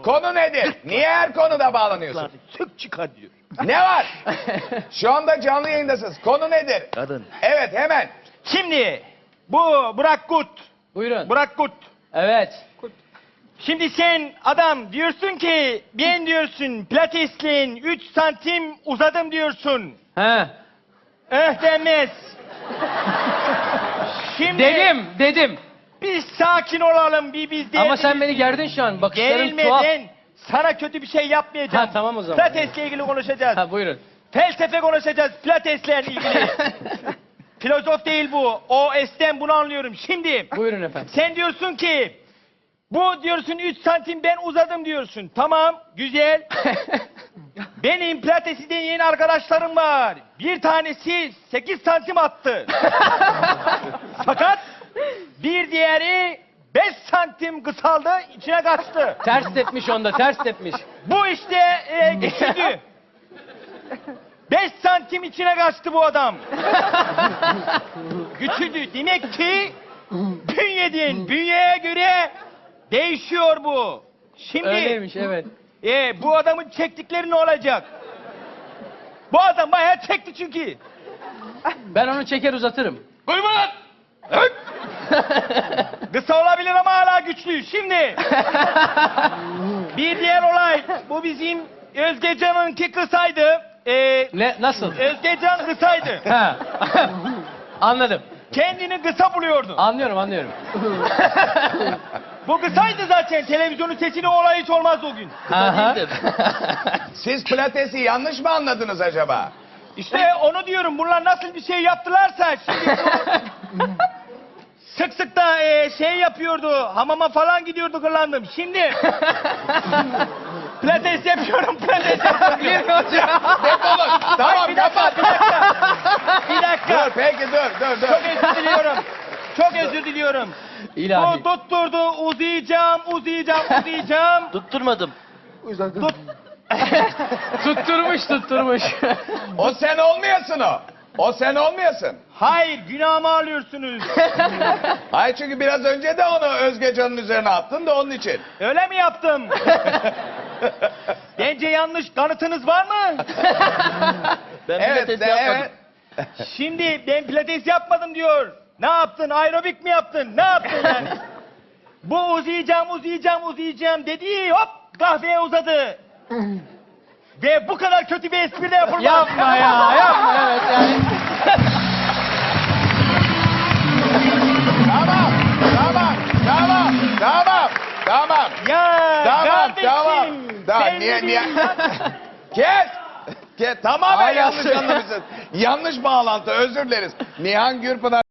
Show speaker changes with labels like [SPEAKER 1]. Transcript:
[SPEAKER 1] Konu nedir? Niye her konuda bağlanıyorsun?
[SPEAKER 2] Sök çıkar diyor.
[SPEAKER 1] Ne var? Şu anda canlı yayındasınız. Konu nedir?
[SPEAKER 2] Kadın.
[SPEAKER 1] Evet hemen.
[SPEAKER 2] Şimdi bu Burak Kut.
[SPEAKER 3] Buyurun.
[SPEAKER 2] Burak Kut.
[SPEAKER 3] Evet.
[SPEAKER 2] Şimdi sen adam diyorsun ki ben diyorsun pilatesliğin 3 santim uzadım diyorsun.
[SPEAKER 3] He.
[SPEAKER 2] Demez. Şimdi
[SPEAKER 3] Dedim.
[SPEAKER 2] biz sakin olalım biz de.
[SPEAKER 3] Ama sen beni gerdin şu an. Bakışların
[SPEAKER 2] Gerilme
[SPEAKER 3] tuhaf.
[SPEAKER 2] ben sana kötü bir şey yapmayacağım.
[SPEAKER 3] Ha, tamam o zaman.
[SPEAKER 2] Pilatesle ilgili konuşacağız.
[SPEAKER 3] Ha buyurun.
[SPEAKER 2] Felsefe konuşacağız pilatesle ilgili. Filozof değil bu. O esten bunu anlıyorum. Şimdi
[SPEAKER 3] Buyurun efendim.
[SPEAKER 2] sen diyorsun ki bu diyorsun 3 santim ben uzadım diyorsun. Tamam güzel. Benim pilatesiden yeni arkadaşlarım var. Bir tanesi 8 santim attı. Fakat bir diğeri 5 santim kısaldı içine kaçtı.
[SPEAKER 3] Ters tepmiş onda, ters tepmiş.
[SPEAKER 2] Bu işte geçirdi. 5 santim içine kaçtı bu adam. Güçlüdü. Demek ki bünyeye göre değişiyor bu. Şimdi
[SPEAKER 3] Öyleymiş evet.
[SPEAKER 2] bu adamın çektikleri ne olacak? Bu adam bayağı çekti çünkü.
[SPEAKER 3] Ben onu çeker uzatırım.
[SPEAKER 2] Buyurun. Kısa olabilir ama hala güçlü. Şimdi bir diğer olay. Bu bizim Özgecan'ınki kısaydı.
[SPEAKER 3] Ne, nasıl?
[SPEAKER 2] Özgecan kısaydı.
[SPEAKER 3] Ha. Anladım.
[SPEAKER 2] Kendini kısa buluyordu.
[SPEAKER 3] Anlıyorum.
[SPEAKER 2] Bu kısaydı zaten. Televizyonun sesini olay hiç olmazdı o gün.
[SPEAKER 3] Aha.
[SPEAKER 1] Siz pilatesi yanlış mı anladınız acaba?
[SPEAKER 2] İşte onu diyorum. Bunlar nasıl bir şey yaptılarsa şimdi sık sık da şey yapıyordu. Hamama falan gidiyordu kırlandım. Şimdi pilates yapıyorum.
[SPEAKER 1] Defolun. Tamam
[SPEAKER 2] Bir dakika. Bir dakika.
[SPEAKER 1] Dur peki dur.
[SPEAKER 2] Çok özür diliyorum. Çok özür diliyorum.
[SPEAKER 3] İlahi.
[SPEAKER 2] Bu tutturdu. Uzayacağım.
[SPEAKER 4] Tutturmadım.
[SPEAKER 3] Tutturmuş.
[SPEAKER 1] O sen olmayasın o. O sen olmayasın.
[SPEAKER 2] Hayır, günahımı alıyorsunuz.
[SPEAKER 1] Hayır çünkü biraz önce de onu Özgecan'ın üzerine attın da onun için.
[SPEAKER 2] Öyle mi yaptım? Bence yanlış. Kanıtınız var mı?
[SPEAKER 4] Ben
[SPEAKER 1] Evet,
[SPEAKER 4] pilates yapmadım.
[SPEAKER 1] evet.
[SPEAKER 2] Şimdi ben pilates yapmadım diyor. Ne yaptın? Aerobik mi yaptın? Ne yaptın yani? Bu uzayacağım dedi. Hop kahveye uzadı. Ve bu kadar kötü bir espri de yapılmaz.
[SPEAKER 3] Yapma evet yani.
[SPEAKER 1] Tamam.
[SPEAKER 2] Ya kardeşim.
[SPEAKER 1] Tamam.
[SPEAKER 2] sen
[SPEAKER 1] Niye?
[SPEAKER 2] ne diyorsun?
[SPEAKER 1] Kes. Tamamen
[SPEAKER 3] Hala
[SPEAKER 1] yanlış
[SPEAKER 3] söyle.
[SPEAKER 1] anlamışsın. Yanlış bağlantı özür dileriz. Nihan Gürpınar